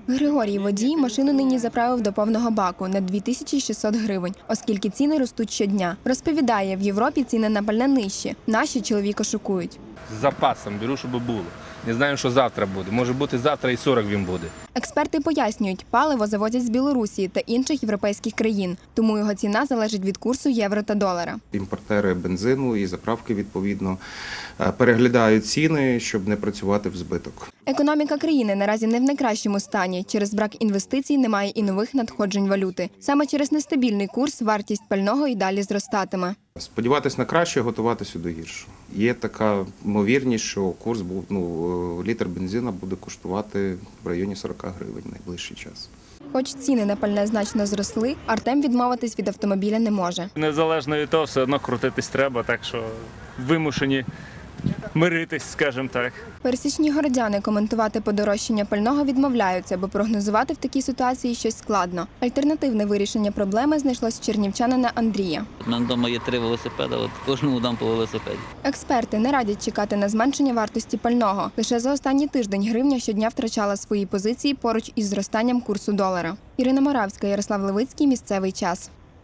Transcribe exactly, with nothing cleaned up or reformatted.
Григорій водій машину нині заправив до повного баку на дві тисячі шістсот гривень, оскільки ціни ростуть щодня. Розповідає, в Європі ціни на пальне нижчі. Наші чоловіка шокують. З запасом беру, щоб було. Не знаю, що завтра буде. Може бути завтра і сорок він буде. Експерти пояснюють, паливо завозять з Білорусі та інших європейських країн, тому його ціна залежить від курсу євро та долара. Імпортери бензину і заправки, відповідно, переглядають ціни, щоб не працювати в збиток. Економіка країни наразі не в найкращому стані. Через брак інвестицій немає і нових надходжень валюти. Саме через нестабільний курс вартість пального і далі зростатиме. Сподіватись на краще, готуватися до гіршого. Є така ймовірність, що курс був, ну, літр бензину буде коштувати в районі сорок гривень в найближчий час. Хоч ціни на пальне значно зросли, Артем відмовитись від автомобіля не може. Незалежно від того, все одно крутитись треба, так що вимушені миритись, скажімо так. Пересічні городяни коментувати подорожчання пального відмовляються, бо прогнозувати в такій ситуації щось складно. Альтернативне вирішення проблеми знайшлось чернівчанина Андрія. У мене вдома є три велосипеди, от кожному дам по велосипеді. Експерти не радять чекати на зменшення вартості пального. Лише за останній тиждень гривня щодня втрачала свої позиції поруч із зростанням курсу долара. Ірина Моравська, Ярослав Левицький, місцевий час.